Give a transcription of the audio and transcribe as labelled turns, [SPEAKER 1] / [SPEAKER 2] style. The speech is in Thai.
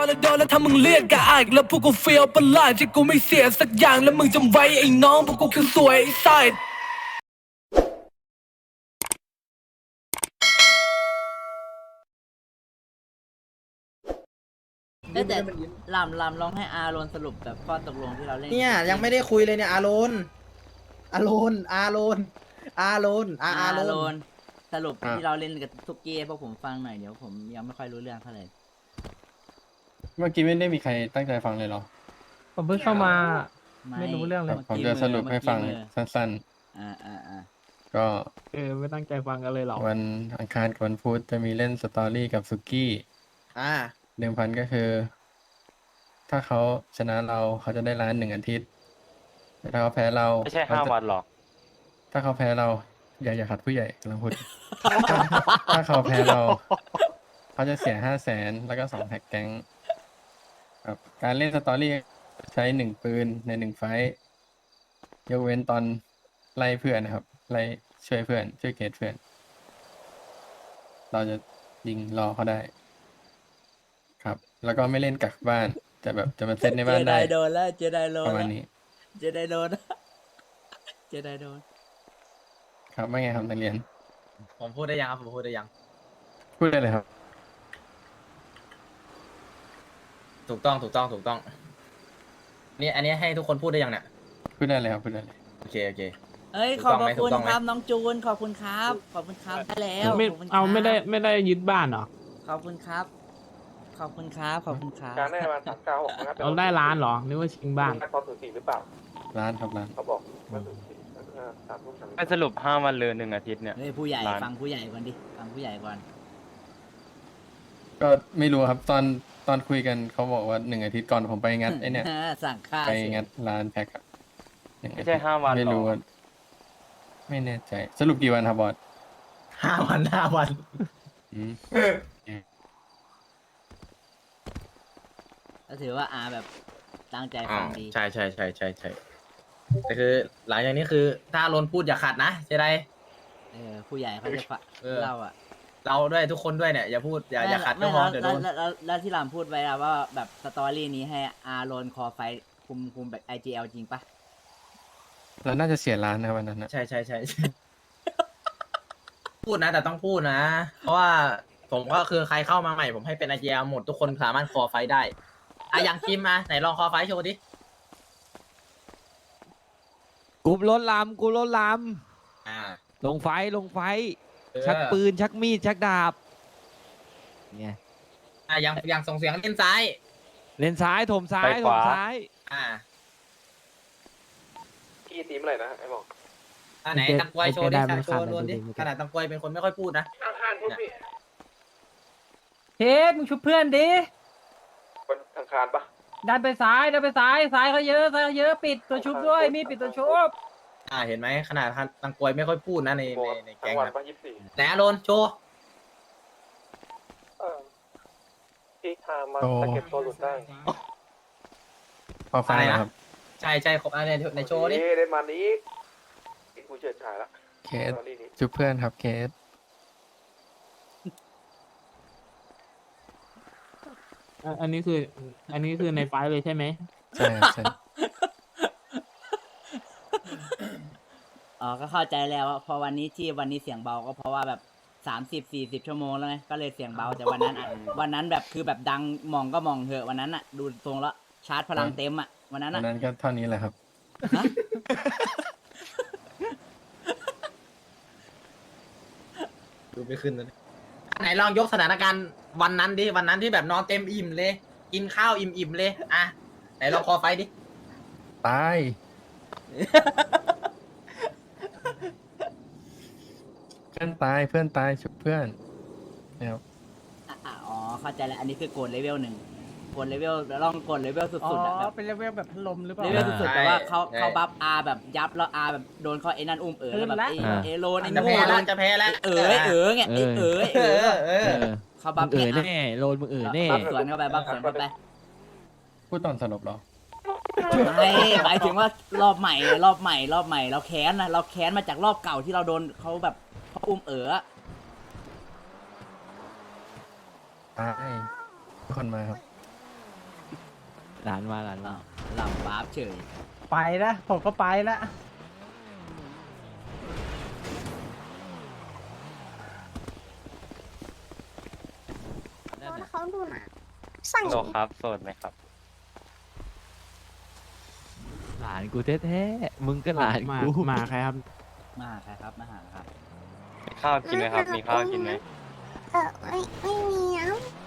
[SPEAKER 1] แล้วโดนแล้วถ้ามึงเรียกกะอายแล้วพวกกูเฟียวประหลาดที่กูไม่เสียสักอย่างแล้วมึงจำไว้ไอ้น้องพวกกูคือสวยไอ้ไซด์
[SPEAKER 2] แต่ลำลองให้อาโรนสรุปแบบข้อตกลงที่เราเล่น
[SPEAKER 3] เนี่ยยังไม่ได้คุยเลยเนี่ยอาโรนอาโรนอาโรนอาโรนอา
[SPEAKER 2] อา
[SPEAKER 3] โร
[SPEAKER 2] โร
[SPEAKER 3] น
[SPEAKER 2] นสรุปที่เราเล่นกับทุกเกมพวกผมฟังหน่อยเดี๋ยวผมยังไม่ค่อยรู้เรื่องเท่าไหร่
[SPEAKER 4] เมื่อกี้ไม่ได้มีใครตั้งใจฟังเลยเหรอ
[SPEAKER 5] ผมเพิ่งเข้ามา ไม่รู้เรื่องเลย
[SPEAKER 4] ผมจะสรุปให้ฟังสั้น
[SPEAKER 2] อ่า
[SPEAKER 4] ๆ ก็
[SPEAKER 5] ไม่ตั้งใจฟังกันเลยหรอ
[SPEAKER 4] วันอังคารกับวันพุธจะมีเล่นสตอรี่กับสุกี้
[SPEAKER 3] อ่า
[SPEAKER 4] เดิมพันก็คือ ถ้าเขาชนะเราเขาจะได้ล้าน1 อาทิตย์แต่ถ้าเขาแพ้เรา
[SPEAKER 6] ไม่ใช่
[SPEAKER 4] เขจะ
[SPEAKER 6] 5 วันหรอก
[SPEAKER 4] ถ้าเขาแพ้เราอย่าขัดผู้ใหญ่กำลังพูด ถ้าเขาแพ้เรา เขาจะเสีย500,000แล้วก็2 แท็กแก๊งครับการเล่นสตอรี่ใช้1 ปืนใน1 ไฟท์ยกเว้นตอนไล่เพื่อนนะครับ ไล่ช่วยเพื่อนช่วยเกตเพื่อน เราจะยิงรอเขาได้ ครับ แล้วก็ไม่เล่นกักบ้านจะแบบจะมาเซตใน
[SPEAKER 2] เจ
[SPEAKER 4] บ้าน
[SPEAKER 2] ได
[SPEAKER 4] ได้
[SPEAKER 2] โดนแล้วเจไดโดน
[SPEAKER 4] ประมา
[SPEAKER 2] แล้
[SPEAKER 4] ณ
[SPEAKER 2] ว
[SPEAKER 4] นี้
[SPEAKER 2] เจไดโดนเจไดโดน
[SPEAKER 4] ครับไม่ไงครับนักเรียน
[SPEAKER 3] ผมพูดได้ยังครับผมพูดได้ยัง
[SPEAKER 4] พูดได้เลยครับ
[SPEAKER 3] ถูกต้องถูกต้องถูกต้องนี่อันนี้ให้ทุกคนพูดได้ยังเนี่ย
[SPEAKER 4] พูดได้เลยครับพูดได้เลย
[SPEAKER 3] โอเคโอเค
[SPEAKER 2] เอ้ย
[SPEAKER 3] ถู
[SPEAKER 2] ข
[SPEAKER 3] ก
[SPEAKER 2] อบ
[SPEAKER 3] ต้องไหม
[SPEAKER 2] พระคุณ
[SPEAKER 3] ถูกต้องไหม
[SPEAKER 2] ครับน้องจูนขอบคุณครับขอบคุณครับได้แล้ว
[SPEAKER 5] ไม่
[SPEAKER 2] ขบคุณครับ
[SPEAKER 5] เอาไม่ได้ยึดบ้านเหรอ
[SPEAKER 2] ขอบคุณครับ ขอบคุณครับขอบคุณครับ
[SPEAKER 7] การได้มา396นะครับ
[SPEAKER 5] เราได้ร้านเหรอนึกว่าชิงบ้าน
[SPEAKER 7] ตอน04หรือเปล่า
[SPEAKER 4] ร้านครับร้าน
[SPEAKER 7] เขาบอกว่า04แล้วก็3 ทุ่ม
[SPEAKER 6] ไม่สรุป5 วันเลย1 อาทิตย์เนี่ย
[SPEAKER 2] เฮ้ยผู้ใหญ่
[SPEAKER 6] ร้าน
[SPEAKER 2] ฟังผู้ใหญ่ก่อนดิฟังผู้ใหญ่ก่อน
[SPEAKER 4] ก็ไม่รู้ครับตอนคุยกันเขาบอกว่า1 อาทิตย์ก่อนผมไปงัดไอเนี่ย
[SPEAKER 2] สั่งข้าว
[SPEAKER 4] ไป
[SPEAKER 2] เสร็จ
[SPEAKER 4] งัดร้านแพ็คอะ1
[SPEAKER 6] ไม่ใช่
[SPEAKER 4] อาทิตย์
[SPEAKER 6] 5 วัน
[SPEAKER 4] ไม่
[SPEAKER 6] หร
[SPEAKER 4] รู้
[SPEAKER 6] อ
[SPEAKER 4] ว่าไม่แน่ใจ สรุปกี่วันครับบอส
[SPEAKER 3] 5 วัน
[SPEAKER 4] อืม
[SPEAKER 2] ก็ถือว่าอาแบบตั้งใจ
[SPEAKER 3] อ๋อ
[SPEAKER 2] ฟังดี
[SPEAKER 3] ใช่ใช่ใช่ใช่ใช่แต่คือหลังจากนี้คือถ้าอาโรนพูดอย่าขัดนะใช่ไร
[SPEAKER 2] ผู้ใหญ่เขาจะฟัง
[SPEAKER 3] เออ
[SPEAKER 2] เราอ่ะ
[SPEAKER 3] เราด้วยทุกคนด้วยเนี่ยอย่าพูดอย่าขัดก็
[SPEAKER 2] ไม่
[SPEAKER 3] พอ
[SPEAKER 2] แล้ว
[SPEAKER 3] เดี๋ยวโดน
[SPEAKER 2] แล้วที่หลามพูดไว้อะว่าแบบสตอรี่นี้ให้อาโรนคอไฟคุมแบบ IGL จริงปะ
[SPEAKER 4] เราน่าจะเสียร้านนะวันนั้นนะ
[SPEAKER 3] ใช่ใช่ใช่ใช่ พูดนะแต่ต้องพูดนะ เพราะว่าผมก็คือใครเข้ามาใหม่ผมให้เป็นไอเจียหมดทุกคนสามารถคอไฟได้อะอย่างคิมมาไหนลองคอไฟโชว์ดิ
[SPEAKER 8] กลุ่มรถลำกลุ่มรถล
[SPEAKER 3] อ่า
[SPEAKER 8] ำลงไฟลงไฟ
[SPEAKER 3] เออ
[SPEAKER 8] ชักปืน ชักมีด ชักดาบเนี่ย
[SPEAKER 3] อย่างส่งเสียงเล่นซ้าย
[SPEAKER 8] เลนซ้ายถมซ้าย
[SPEAKER 6] ไป
[SPEAKER 8] ถ
[SPEAKER 6] ขวา
[SPEAKER 8] มซ้าย
[SPEAKER 3] อ่า
[SPEAKER 7] พี่ตีมอะไรนะไอ้บอก
[SPEAKER 3] อันไหน
[SPEAKER 8] โอเค
[SPEAKER 3] ตังกวยโชว์ดิ
[SPEAKER 8] โอเคได้
[SPEAKER 3] โชว์
[SPEAKER 8] มันขาด
[SPEAKER 3] รวนดิ
[SPEAKER 8] ดูดิ
[SPEAKER 3] ขนาดตังกวยเป็นคนไม่ค่อยพูดนะ
[SPEAKER 7] อังคารพูดพี่
[SPEAKER 5] เทสมึงชุบเพื่อนดิ
[SPEAKER 7] วันอังคารปะ
[SPEAKER 5] ดันไปซ้ายซ้ายเขาเยอะปิดตัวชุบด้วย มีปิดตัวชุบ
[SPEAKER 3] เห็นไหมขนาดตังกวยไม่ค่อยพูดนะใน
[SPEAKER 7] โบ
[SPEAKER 3] ใน
[SPEAKER 7] ทั้
[SPEAKER 3] แก๊
[SPEAKER 7] ง
[SPEAKER 3] ง
[SPEAKER 7] วัน
[SPEAKER 3] นะ
[SPEAKER 7] ปะ24
[SPEAKER 3] ไหนอาโรนโชว์
[SPEAKER 7] พี่ทามาสเก็ตตัวหลุดได้
[SPEAKER 4] พอฟังนะครับ
[SPEAKER 3] ใช่ใช่ครบอันนี้ในโชว์ดิ
[SPEAKER 7] ได้มานี้อีกกูเฉิดฉายละ
[SPEAKER 4] เคส
[SPEAKER 7] ตอนนี้
[SPEAKER 4] จุบเพื่อนครับเคส
[SPEAKER 5] อันนี้คือในไฟล์เลยใช่ไหม
[SPEAKER 4] ใช่ครับใช่
[SPEAKER 2] อ๋อก็เข้าใจแล้วว่าพอวันนี้เสียงเบาก็เพราะว่าแบบ30-40 ชั่วโมงแล้วไงก็เลยเสียงเบาแต่วันนั้นอะวันนั้นแบบคือแบบดังมองก็มองเถอะวันนั้นอ่ะดูทรงแล้วชาร์จพลังเต็มอ่ะวันนั้น
[SPEAKER 4] วั
[SPEAKER 2] อ่ะ
[SPEAKER 4] นนั้นก็เท่านี้แหละครับ
[SPEAKER 2] ฮะ
[SPEAKER 3] ดูไม่ขึ้นเลยไหนลองยกสถานการณ์วันนั้นดิวันนั้นที่แบบนอนเต็มอิ่มเลย กินข้าวอิ่มๆเลยอ่ะไหนลองคอไฟดิ
[SPEAKER 4] ตาย เพื่อนตายเพื่อนตายชุบเพื่อนนะครับ
[SPEAKER 2] อ๋อเข้าใจแล้วอันนี้คือโกดเลเวล1โกดเลเวลลองโกดเลเวลสุดๆอะแบบ
[SPEAKER 5] เป็นเลเวลแบบพัดลมหรือเปล่า
[SPEAKER 2] เลเวลสุดๆแต่ว่าเขาบัฟอาแบบยับแล้วอาแบบโดนเขาไอ้นั่นอุ้มแล้วแบบ
[SPEAKER 5] ขึ้นละ
[SPEAKER 2] เอโลนไอ้
[SPEAKER 3] จะ
[SPEAKER 2] โง่
[SPEAKER 3] แพ้แล้วจะแพ้แล้ว
[SPEAKER 2] ไงเขาบั
[SPEAKER 8] มึ
[SPEAKER 2] ฟ
[SPEAKER 8] งแน่โลนมึงแน่
[SPEAKER 2] บัฟสวนเข้าไปบัฟสวนเข้าไป
[SPEAKER 4] พูดตอนสลบเหรอ
[SPEAKER 2] ไม่หมายถึงว่ารอบใหม่เราแค้นนะเราแค้นมาจากรอบเก่าที่เราโดนเขาแบบเขาอุ้ม
[SPEAKER 4] ตายทุกคนมาครับ
[SPEAKER 8] หลานมาหลานมา
[SPEAKER 2] หลังวาร์ปเฉย
[SPEAKER 5] ไปละผมก็ไปละ
[SPEAKER 9] เขาดูนะสั่ง
[SPEAKER 6] โสดครับ โสดไหมครับ
[SPEAKER 8] หลานกูแท้ๆมึงก็หลานกูมาใครครับ
[SPEAKER 2] มาใครครับมาหาครับ
[SPEAKER 6] มีข้าวกินไหมครับ มีข้าวกินไหม
[SPEAKER 9] ไม่มีนะ